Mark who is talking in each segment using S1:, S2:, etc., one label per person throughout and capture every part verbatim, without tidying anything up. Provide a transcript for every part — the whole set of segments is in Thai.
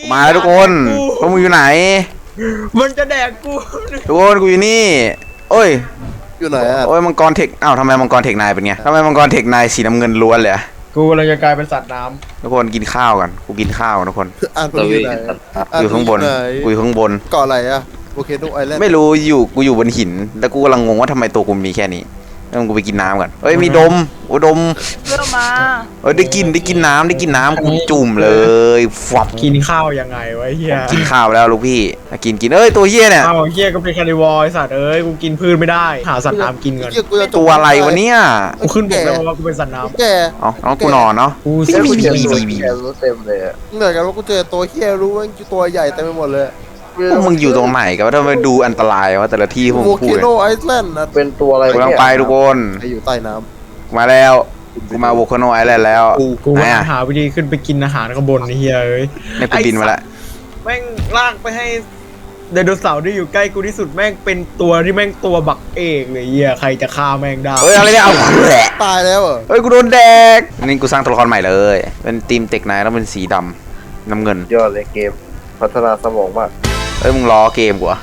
S1: มาทุกคนพวกมึงอยู่ไหน
S2: มันจะแดกกู
S1: ทุกคนกูอยู่นี่โอ้ย
S3: อยู่ไหนอ่ะ
S1: โอ้ยมังกรเทคอ้าวทำไมมังกรเทคนายเป็นไงทำไมมังกรเทคนายสีน้ำเงินล้วนเลย
S2: กูกำลังจะกลายเป็นสัตว์น้
S1: ทุกคนกินข้าวกันกูกินข้าวทุกคน
S3: อ่านอยู่ไหน
S1: อยู่ข้างบนกูอยู่ข้างบน
S3: เกาะอะไรอ่ะโอเคดูไอแลนด์
S1: ไม่รู้อยู่กูอยู่บนหินแล้วกูกำลังงงว่าทำไมตัวกูมีแค่นี้แล้วกูไปกินน้ำก่อนเอ้ยมีดมโอ้ดม
S4: เริ่มมา
S1: เอ้ยได้กินได้กินน้ำได้กินน้ำกูจุ่มเลยฟับ
S2: ำกินข้าวยังไงวะเฮีย
S1: กินข้าวแล้วลูกพี่กินกินเอ้ยตัวเฮียเนี่ย
S2: ข้าวเฮียก็เป็นคาร์นิวอร์สัตว์เอ้ยกูกินพืชไม่ได้หาสัตว์น้ำกินก่อน
S1: ตัวอะไรวะเนี่ย
S2: กูขึ้นบอกแล้วว่ากูเป็นสัตว์น้ำ
S3: แก
S1: อ๋อน้องกูนอนเนาะ
S2: กู
S3: เจอ
S2: บี
S3: ตัว
S2: บี
S3: เฮี
S2: บี
S3: ยรู้เต็มเลยเหมือนกันว่ากูเจอตัวเฮียรู้ว่าตัวใหญ่เต็มไปหมดเลย
S1: พวกมึงอยู่ตรงไหนกันวะทำไมดูอันตรายวะแต่ละที่พวกมึงพูด
S3: โวลคาโนไอซ์แลนด์นะ
S5: เป็นตัวอะไร
S1: กำลังไปทุกคน
S3: อยู่ใต้น้
S1: ำมาแล้วกูมาโวลคาโนไอแลนด์แล้ว
S2: กูหาวิธีขึ้นไปกินอาหารข้างบนเฮียเอ้ย
S1: ในกูบินมาแล้ว
S2: แม่งลากไปให้ไดโนเสาร์ที่อยู่ใกล้กูที่สุดแม่งเป็นตัวที่แม่งตัวบักเอกเลยเฮียใครจะฆ่าแม่งได้
S1: เฮ้ยอะไรเนี่ยเอาแหละ
S3: ตายแล้ว
S1: เฮ้ยกูโดนแดกนี่กูสร้างตัวละครใหม่เลยเป็นทีมเทคนายแล้วเป็นสีดำน้ำเงิน
S5: ยอดเลยเกมพัฒนาสมองมาก
S1: เอ้ยมึงล้อเกมกูอะ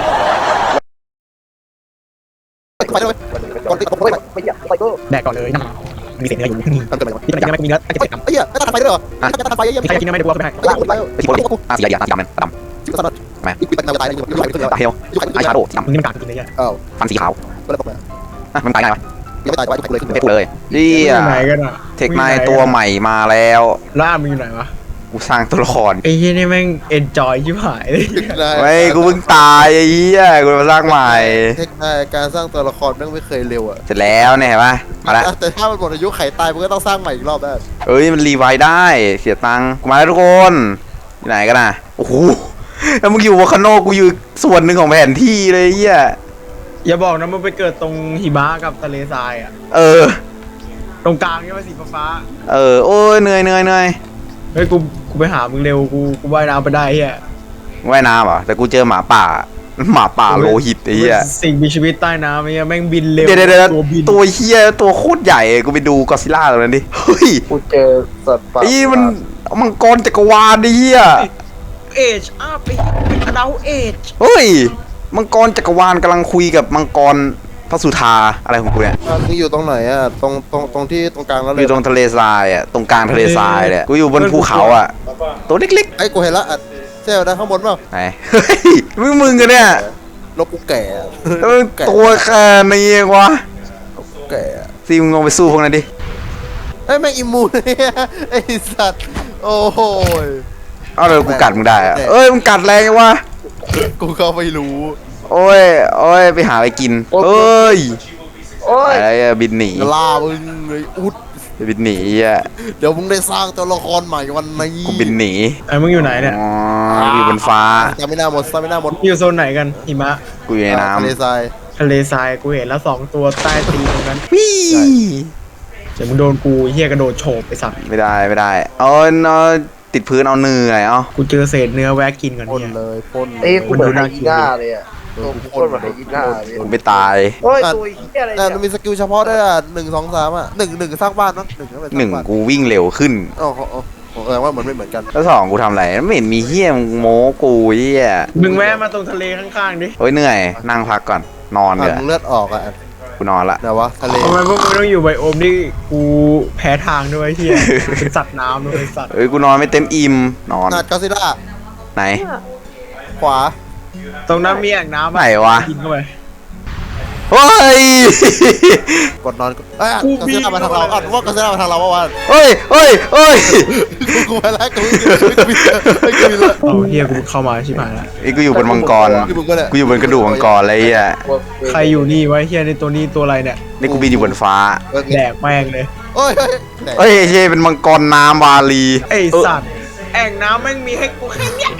S2: แดกก่อนเลยนะมีเศษเนื้ออยู่นี่ที่มันยังไม่มีเนื้อจะเสร็จน้ำ
S3: ไอ้เหี้ยไม่ทันไฟด้วยเหรอไม่ทันไฟยัง
S2: ใครกินไม่ได้กูก็ไม่ได้
S3: ไอ้คนไป
S1: ไอ้ที่บอกอาสีเหลืองสีดำมันดำ
S3: ชิบะสัตว์
S1: มา
S3: อีกปีตายตายอยู่อยู่อยู่
S1: ตาเฮลไอชาโดสีดำ
S2: มึงนี่มันกาดกินเลยอ่ะ
S3: อ้าว
S1: ฟันสีขาว
S3: ก็เลยตกมา
S1: อ่ะมันตายได้ไหม
S3: ยังไม่ตายไว้เลย
S1: เทคเลยนี่อ่ะ
S2: ไหนกันอ่ะ
S1: เทคนายตัวใหม่มาแล้ว
S2: ล่ามึงอยู่ไหนวะ
S1: กูสร้างตัวละคร
S2: ไอ้เหี้ยนี่แม่งเอนจอยชิบหายเลย
S1: ไม่กูเพิ่งตายไอ้เหี้ยกูมาสร้างใหม่
S3: เทคนิคการสร้างตัวละครแม่งไม่เคยเร็วอ่ะ
S1: เสร็จแล้วเนี่ยเห็นปะมาแล้ว
S3: แต่ถ้ามันหมดอายุไขตายมันก็ต้องสร้างใหม่อีกรอบได้
S1: เอ้ยมันรีไวล์ได้เสียตังค์กูมาแล้วทุกคนที่ไหนกันนะโอ้โหแล้วมึงอยู่วอลคาโนกูอยู่ส่วนหนึ่งของแผนที่เลยเหี้ย
S2: อย่าบอกนะมึงไปเกิดตรงหิมะกับทะเลทรายอ่ะ
S1: เออ
S2: ตรงกลางใช่ไหมสีฟ้า
S1: เออโอ้ยเหนื่อยเหนื่อยเหนื่อย
S2: เฮ้ยกูกูไปหามึงเร็วกูกูว่ายน้ำไปได้เฮีย
S1: ว่ายน้ำเหรอแต่กูเจอหมาป่าหมาป่าโลหิตไอ้เหี้ย
S2: สิ่งมีชีวิตใต้น้ำไอ้เหี้ยแม่งบินเร็ว
S1: เดี๋ยวเดี๋ยว
S2: ตัวบิน
S1: ตัวเหี้ยตัวโคตรใหญ่กูไปดูกอซิล่าตรงนั้นดิเฮ้ย
S5: กูเจอสัตว์ป่า
S1: ไอ้มันมังกรจักรวาลดิเหี้ย
S2: เอจอัพเป็นอดาลเอจ
S1: เฮ้ยมังกรจักรวาลกำลังคุยกับมังกรพระสุธาอะไรของกูเนี่ย
S3: มึงอยู่ตรงไหนอ่ะตรงตรงตรงที่ตรงกลางแล้วเลย
S1: อยู่ตรงทะเลทรายอ่ะตรงกลางทะเลทรายเลยกูอยู่บนภูเขาอ่ะตัวเล็ก
S3: ๆไอ้กูเห็นละอ่ะเซลนะข้างบนเปล่า
S1: ไหนมึงมึงกันเนี่ย
S3: ลบกูแก่
S1: ตัวแค่นี้วะ
S3: แก่
S1: ซีมึงลงไปสู้พวกนั้นดิ
S3: ไอ้แม่งอิมูนไอ้สัตว์โอ้โห
S1: เอาเลยกูกัดมึงได้อะเอ้ยมึงกัดแรงวะ
S3: กูเข้าไม่รู้
S1: โอ้ยโอ้ยไปหาไปกินเอ้ย
S5: โอ้ย
S1: อะไรอะบินหนี
S3: ลามึงเลยอุด
S1: บินหนีอ่ะ
S3: เดี๋ยวมึงได้สร้างตัวละครใหม่วันนี้
S1: กูบินหนี
S2: ไอ้มึงอยู่ไหนเนี่ย
S1: อ๋ออยู่บนฟ้า
S3: จะไม่น่าหมดจะไม่น่าหมด
S2: อยู่โซนไหนกันหิมะ
S1: กูอยู่ในน้ำ
S3: ทะเลทราย
S2: ทะเลทรายกูเห็นแล้วสองตัวใต้ตีนตรงนั้น
S1: วี่
S2: เดี๋ยวมึงโดนกูเฮียกระโดดโฉบไปสัตว์
S1: ไม่ได้ไม่ได้เอาเอาติดพื้นเอาเนื้อเอา
S2: กูเจอเศษเนื้อแวะกินกัน
S3: เนี่ยเลยพ่น
S5: เอ้กูเหมือนไฮยีน่าเลยอ่ะตัวกูพ่นเหมือนไฮยีน่าเลย
S1: กูไม่ตาย
S5: โอ้ยตัวเฮียอะไรเนี่ย
S3: มันมีสกิลเฉพาะด้วยอ่ะหนึ่งสองสามอ่ะหนึ่งหนึ่งสร้างบ้านเนาะหนึ่ง
S1: หนึ่งกูวิ่งเร็วขึ้น
S3: อ๋ออ๋อแสดงว่ามันไม่เหมือนกัน
S1: แล้วสองกูทำอะไรไม่เห็นมีเฮี้ยโม้กูเฮี้ย
S2: มึงแวะมาตรงทะเลข้างๆดิ
S1: โอ้ยเหนื่อยนั่งพักก่อนนอนเลย
S3: เลือดออกอ่ะ
S1: กูนอนละ
S3: แต่ว่าทะเล
S2: ทำไมพวกมึงต้องอยู่ไบโอมที่กูแพ้ทางด้วยเฮียเป็นสัตว์น้ำด้วยสัตว์
S1: เอ้ยกูนอนไม่เต็มอิ่มนอน
S3: นัดกอซิล่า
S1: ไหน
S3: ขวา
S2: ตรงนั้นมีอ่างน้ำ
S1: ไหนวะ
S2: กินเข้าไป
S1: เฮ้ย
S3: กดนอนเอ้ยกอซิล่ามาทางเราอ่ะว่ากอซิล่ามาทางเราว่า
S1: เฮ้ยเฮ้ยเฮ้ย
S3: กูไปแล้วกูกูมีกูมีแล้ว
S2: เอาเฮียกูเข้ามาชิบหายแล้ว
S1: ไอ้กูอยู่บนมังกรกูอยู่บนกระดูกมังกรอะไรอ่ะ
S2: ใครอยู่นี่วะเฮียในตัวนี้ตัวอะไรเนี่ย
S1: นี่กูบินอยู่บนฟ้า
S2: แดกแม่งเลย
S3: เฮ้ย
S1: เฮ้ยเฮ้ยเป็นมังกรน้ำวาลี
S2: ไอสัตว์แอ่งน้ำแม่งมีให้กูแค่เนี้ย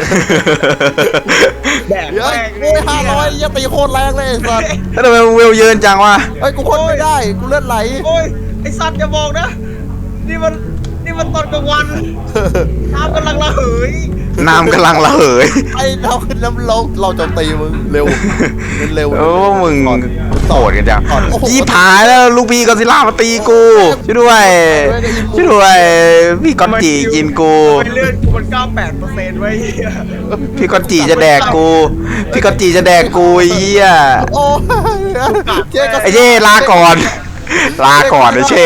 S2: แดกแม่ง
S3: โอ้ยห้าร้อยยัดตีโคตรแรงเลยไอ้สัตว์
S1: แล้วทำไมมึงเวลเยินจังวะ
S3: เฮ้ยกูพ่นไม่ได้กูเลือดไหล
S2: โอ้ยไอสัตว์อย่าบอกนะนี่มันนี่มันตอนกลางวันน้ำกำลังระเหย
S1: น้ำกำลังระเหย
S3: ไอ้เราขึ้นน้ำเราเราจะตีมึงเร็วเร็ว
S1: โอ้มึงโหดกันจัง
S3: ถอดโอ้โห
S1: ยี่ผายแล้วลูกพี่กอซิลล่ามาตีกูช่วยด้วยช่วยด้วยพี่กอนจีกินกู
S2: ทำไมเลือดกูมันเก้าแปดเปอร์เซ็นต์ไว้เหี้ย
S1: พี่กอนจีจะแดกกูพี่กอนจีจะแดกกูไอ้เหี้ย
S3: โอ้เจ๊ก็
S1: ไอ้เช่ลาก่อนลาก่อนไอ้เช่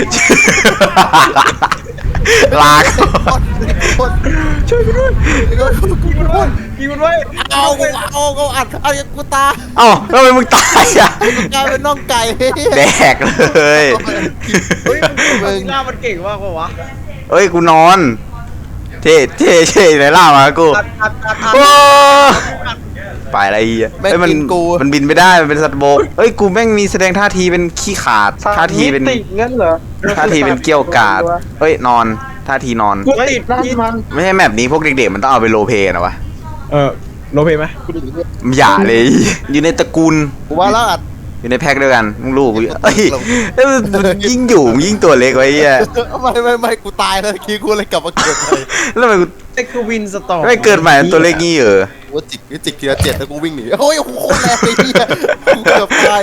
S1: ลาก่อน
S3: ช่วยกูด้วย
S2: กินมันไว้กินมันไว้
S3: เอากูเอากูอัดเอากูตา
S1: เอ้าทำไมมึงตายอ่ะ
S3: กลายเป็นน่องไก่
S1: แดกเลย
S2: เฮ้ยมันหน้ามันเก่งมากกว่าวะ
S1: เอ้ยกูนอนเท่เท่เท่ไหนล่ามากู
S2: อัดอัดอัดอัด
S1: โอ้ไปอะไรอีก
S3: แม่ง
S1: เอ้ยมัน
S3: กินกู
S1: มันบินไม่ได้มันเป็นสัตว์บกเอ้ยกูแม่งมีแสดงท่าทีเป็นขี้ขาดท่าทีเป็น
S5: ติดงั้นเหรอ
S1: ท่าทีเป็นเกี้ยวกาดเอ้ยนอนท่าทีนอน
S2: กูติด
S5: นั่นมัน
S1: ไม่ใช่แมปนี้พวกเด็กๆมันต้องเอาไปโรลเพลย์นะวะ
S2: เออโรเพไหม
S1: อย่าเลย อยู่ในตระกูล
S3: กูว่าแล้วอัด
S1: อยู่ในแพ็คเดียวกันมึงรู้กูเอ้ยเอ้ยมันยิ่งอยู่มึงยิ่งตัวเล็กไว้เหี้ย
S3: ไม่ไม่ไม่กูตายแล้วคิดกูเลยกลับมาเกิดเลย
S1: แล้วทำไมกู
S2: เอ็กซ์วินสตอร์
S1: ไม่เกิดใหม่ตัวเล็กงี้เหรอ
S3: กูจิกกูจิกทีละเจ็ดแล้วกูวิ่งหนีโอ้ยโคตรแรงเลยพี่กูเกือบตาย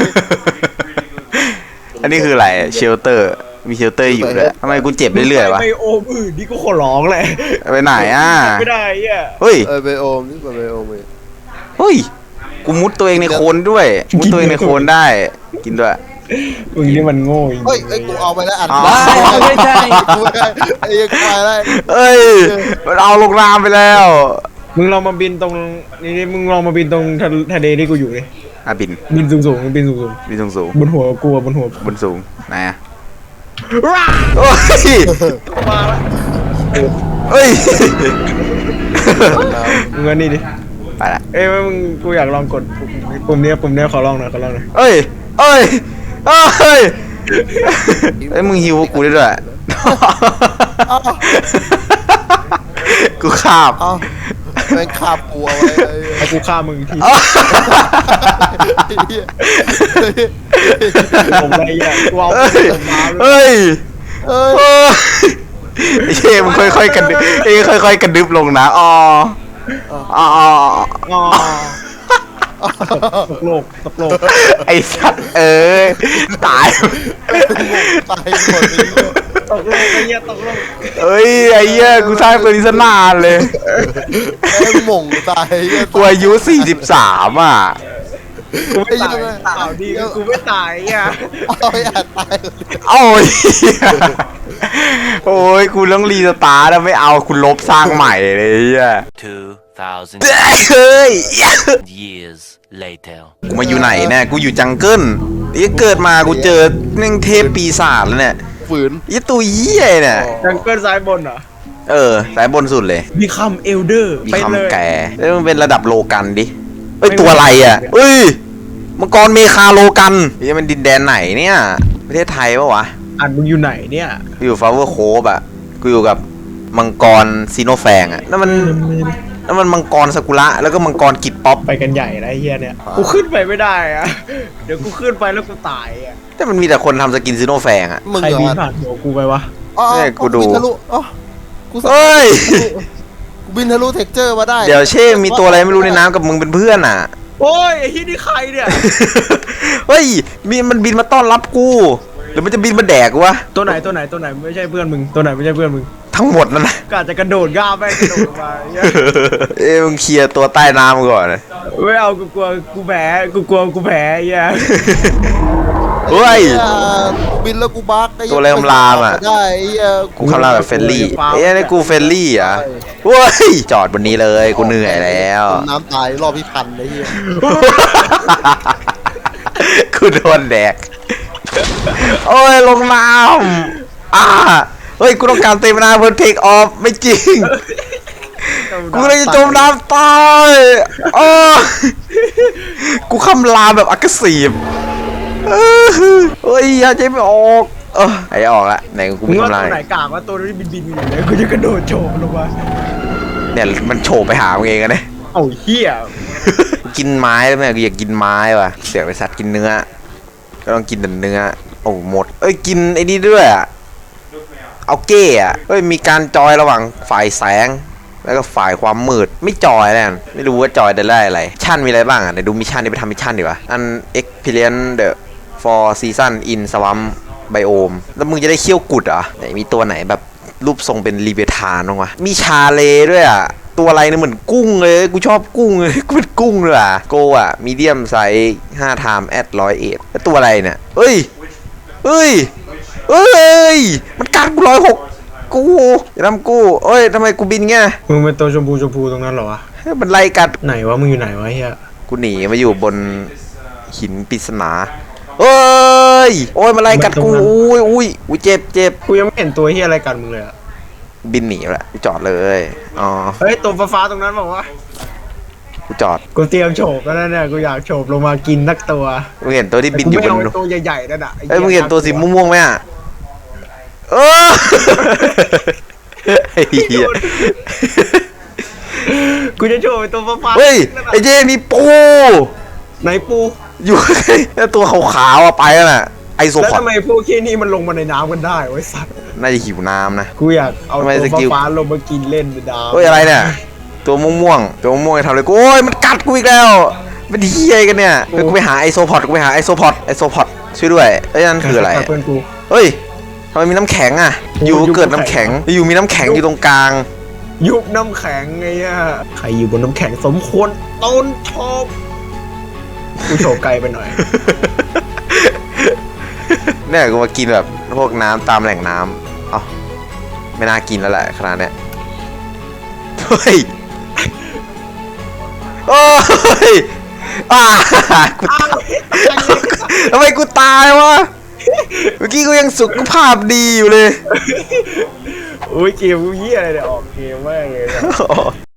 S1: อันนี้คืออะไรเชลเตอร์มีเชลเตอร์อยู่ด้วยทำไมกูเจ็บเรื่อยๆวะ
S2: ไปโอมอื่นนี่ก็ขอร้องแหละ
S1: ไปไหนอ่ะ
S2: ไม่ได้อ่ะ
S1: เฮ้ย
S3: เออไบโอมนี่เป็นไบโอมเลย
S1: เฮ้ยกูมุดตัวเองในโคลนด้วยมุดตัวเองในโคลนได้กินด้วย
S2: มึงนี่มันโง่จริง
S3: เฮ้ยไอ้กูเอาไปแล้วอัด
S1: อ๋อ
S3: ไม่ใช่กูไม่ได้ไอ้ยังไปแล้ว
S1: เอ้ยมันเอาลงน้ำไปแล้ว
S2: มึงลองมาบินตรงนี่นี่มึงลองมาบินตรงทะทะเลที่กูอยู่เลย
S1: อ่ะบิน
S2: บินสูงสูงๆบินสูงสูง
S1: บินสูงสูง
S2: ๆบนหัวกูอะบนหัว
S1: บนสูงไหนอ่ะ
S2: ว้า
S1: โอ้ย
S2: มาละ
S1: เอ้ย
S2: มึงอันนี้ดิ
S1: ไปละ
S2: เอ้ยมึงกูอยากลองกดปุ่มเนี้ยปุ่มเนี้ยขอลองหน่อยขอลองหน่อย
S1: เอ้ยเอ้ยเอ้ยเอ้ยมึงฮิวกูได้ด้วยกูขาบ
S3: เอาแม่งคาบกูเอาไว้
S2: ไอ้กูฆ่ามึงที
S1: เอ้า
S2: ผมไปอ่ะกูเอา
S1: เอ้ย
S2: มาเลย
S1: เอ้ย
S3: เอ้ย
S1: เอ้ยไอ้เช่มึงค่อยๆกันดึบเอ้ยค่อยๆกันดึบลงนะอ๋ออ๋อ
S2: อ๋อตกโลกตกโลก
S1: ไอ้สัตว์เอ้ยตาย
S3: ตายหมดเลย
S2: ตกโลกไอ้เหี้ยตกโลก
S1: เอ้ยไอ้เหี้ยกูสร้างตัวนี้ซะนานเลย
S3: แม่งหม่งตาย
S1: กูอายุสี่สิบสามอ่ะ
S2: กูไม่ตายข่าวดีคือกูไม่ตายอ่ะ
S3: เอาไอ้อัดตาย
S1: โอ้ยโอ้ยกูต้องรีสตาร์ทแล้วไม่เอาคุณลบสร้างใหม่เลยอ่ะ
S4: Two thousand
S1: เฮ้ย
S4: years later.
S1: กูมาอยู่ไหนเนี่ยกูอยู่จังเกิลนี่เกิดมากูเจอนึ่งเทพปีศาจแล้วเนี่ย
S3: ฝืน
S1: ยี่ตัวเหี้ยเนี่ย
S2: จังเกิลซ้ายบนเหรอ
S1: เออสายบนสุดเลย
S2: มีคำเอลเดอร์
S1: มี
S2: ไปเลย
S1: คำแก่แล้วมันเป็นระดับโลกันดิเอ้ยตัวอะไรอ่ะเอ้ยมังกรเมคาโลกันนี่มันดินแดนไหนเนี่ยประเทศไทยปะวะ
S2: อ่านมึงอยู่ไหนเนี่ย
S1: กูอยู่ฟลาวเวอร์โคฟอ่ะกูอยู่กับมังกรซีโนแฟงอ่ะนั่นมันนั่นมันมังกรซากุระแล้วก็มังกรกิดป๊อป
S2: ไปกันใหญ่นะไอ้เฮียเนี่ยกูขึ้นไปไม่ได้อะเดี๋ยวกูขึ้นไปแล้วกูตายอะ
S1: แต่มันมีแต่คนทำสกินซีโนแฟงอ่ะ
S3: มึง
S2: ใคร
S3: เหร
S2: บิน
S3: อ
S2: ผ่านหัวกูไปวะ
S3: อ๋อ
S1: เนี่ยกูดู
S3: บินทะลุอ๋อกู
S1: เอ้ย
S3: กูบินทะลุเท็กเจอร์มาได้
S1: เดี๋ยวเช่มีตัวอะไรไม่รู้ในน้ำกับมึงเป็นเพื่อนอ่ะ
S2: โอ้ยไอ้ที่นี่ใครเนี่ย
S1: เฮ้ยมีมันบินมาต้อนรับกูหรือมันจะบินมาแดกกูวะ
S2: ตัวไหนตัวไหนตัวไหนไม่ใช่เพื่อนมึงตัวไหนไม่ใช่เพื่อนมึง
S1: ทั้งหมดนั่นนะ
S2: ก็อาจจะกระโดดก้าวแม่งกระโดดลงมาไอ้เหี้ย
S1: เอ้ยมึงเคลียร์ตัวใต้น้ำก่อนเลย
S2: ไม่เอากูกลัวกูแพ้กูกลัวกูแพ้ไอ้เหี้ย
S1: เฮ้ย
S3: อ่ากูบินแล้วกูบักไอ้
S1: ตัวอะไรคำรามอะ
S3: ได้ไอ้เหี้ย
S1: กูคำรามแบบเฟรนลี่เอ้ยนี่กูเฟรนลี่อ่ะเฮ้ยจอดบนนี้เลยกูเหนื่อยแล้ว
S3: จมน้ำตายรอบพี่พันไอ้เหี้ย
S1: กูโดนแดกโอ้ยลงน้ำอ่าเฮ้ยกูต้องการเต็มนาเพื่อเทคออฟไม่จริงกูเลยจะจมน้ำตายโอ้ยกูคำรามแบบอักษีบเฮ้ยอย่าใจไม่ออกเออไอ้ออกละไหนกู
S2: มึ
S1: ไม่
S2: งว่า
S1: ทำลา
S2: ตั
S1: ยว
S2: ไหนกากว่าตัวนี้บินบินอยู่เนี่ยกูจะกระโดดโฉบลงมา
S1: เนี่ยมันโฉบไปหามึงเองอะเนี่ย
S2: เอ้าเหี้ย
S1: กินไม้แล้วแม่กูอยากกินไม้ว่ะเสียไปสัตว์กินเนื้อก็ต้องกินแต่เนื้อโอ้หมดเอ้ยกินไอ้นี่ด้วยอะเอาเก้อะเอ้ยมีการจอยระหว่างฝ่ายแสงแล้วก็ฝ่ายความมืดไม่จอยแล้วกันไม่รู้ว่าจอยจะได้อะไรชั่นมีอะไรบ้างอ่ะเดี๋ยวดูมิชชั่นนี้ไปทำมิชชั่นดีกว่าอัน experience the for season in swamp biome แล้วมึงจะได้เขี้ยวกุดเหรอไหนมีตัวไหนแบบรูปทรงเป็นรีเวทานบ้างวะมีชาเลด้วยอ่ะตัวอะไรเนี่ยเหมือนกุ้งเลยกูชอบกุ้งเลยกูเป็นกุ้งเลยอ่ะโกอ่ะมีเดียมไซส์ห้าไทม์แอดร้อยเอ็ดแล้วตัวอะไรเนี่ยเอ้ยเอ้ยเอ้ยมันกัดกูร้อยหกกูอย่าทำกูเอ้ยทำไมกูบินเงี้ย
S2: มึงเป็นตัวชมพูชมพูตรงนั้นเหรอวะ
S1: มันไล่กัด
S2: ไหนวะมึงอยู่ไหนวะเฮีย
S1: กูหนีมาอยู่บนหินปริศนาเอ้ยโอ้ยมันไล่กัดกูอุ้ยอุ้ยอุ้ยเจ็บเจ็บ
S2: กูยังไม่เห็นตัวเฮียอะไรกันมึงเลยอะ
S1: บินหนีแล้วกูจอดเลยอ๋อ
S2: เฮ้ยตัวฟ้าๆตรงนั้นบอกว่า
S1: กูจอด
S2: กูเตรียมโฉบแล้วนะเนี่ยกูอยากโฉบลงมากินนักตัว
S1: มึงเห็นตัวที่บินอยู่บ
S2: แต่กู
S1: น
S2: ไม่เอาตัวใหญ่ๆนั่นอ่ะ
S1: เอ้ยมึงเห็นตัวสีม่วงๆไหมอ่ะเออไอ้เหี้ย
S2: กูจะโฉบไอ้ตัวฟ้าๆ
S1: เฮ้ย
S2: นั่นน่ะ
S1: ไอ้เจมีปู
S2: ไหนปู
S1: อยู่แล้วตัวขาวๆอ่ะไปแล้วน่ะไอโซ
S2: แล้ว
S1: พอด
S2: ทำไมพวกขี้นี่มันลงมาในน้ำกันได้ไว้ยสัตว์
S1: น่าจะหิวน้ำนะ
S2: กูอยากเอา
S1: ทำไม
S2: ตัว
S1: สกิล
S2: ฟ้าๆลงมากินเล่นในน้ำ
S1: เฮ้ยอะไรเนี่ยตัวม่วงๆตัวม่วงๆทำอะไรกูโอ้ยมันกัดกูอีกแล้วเป็นเฮียกันเนี่ยเฮ้ยกูไปหาไอโซพอดกูไปหาไอโซพอดไอโซพอดช่วยด้วยเอ้ยนั่นคืออะไร
S2: เพื่อนกู
S1: เฮ้ยทำไมมีน้ำแข็งอ่ะ อยู่เกิดน้ำแข็ง อยู่มีน้ำแข็งอยู่ตรงกลาง
S2: ยุบน้ำแข็งไงอ่ะใครอยู่บนน้ำแข็งสมควรต้นโฉบกูโฉบไกลไปหน่อย
S1: เนี่ยกูมากินแบบพวกน้ำตามแหล่งน้ำเอ้าไม่น่ากินแล้วแหละขนาดเนี้ยเฮ้ยโอ้ยอ่ากูตายทำไมกูตายวะเมื่อกี้กูยังสุขภาพดีอยู่เลย
S2: โอ้ยเกมกูเหี้ยอะไรเนี่ยออกเกมมากเลยนะ